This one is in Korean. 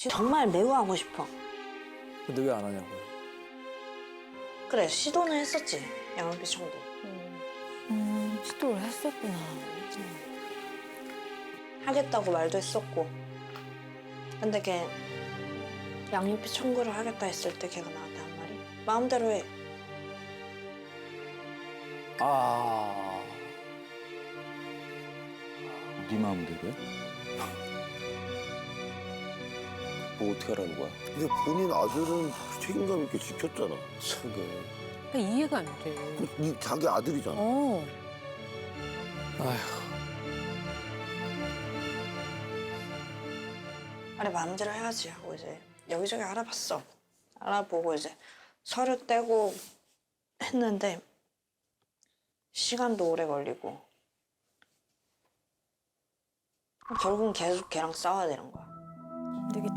정말 매우 하고 싶어. 근데 왜 안 하냐고요? 그래, 시도는 했었지. 양육비 청구. 시도를 했었구나. 하겠다고 말도 했었고. 근데 걔 양육비 청구를 하겠다 했을 때 걔가 나한테 한 말이 마음대로 해. 아. 네 마음대로 해? 뭐 어떻게 하라는 거야? 근데 본인 아들은 책임감 있게 지켰잖아. 참게. 이해가 안 돼. 자기 아들이잖아. 아휴. 그래, 마음대로 해야지 하고 이제 여기저기 알아봤어. 알아보고 이제 서류 떼고 했는데 시간도 오래 걸리고 결국은 계속 걔랑 싸워야 되는 거야. 되게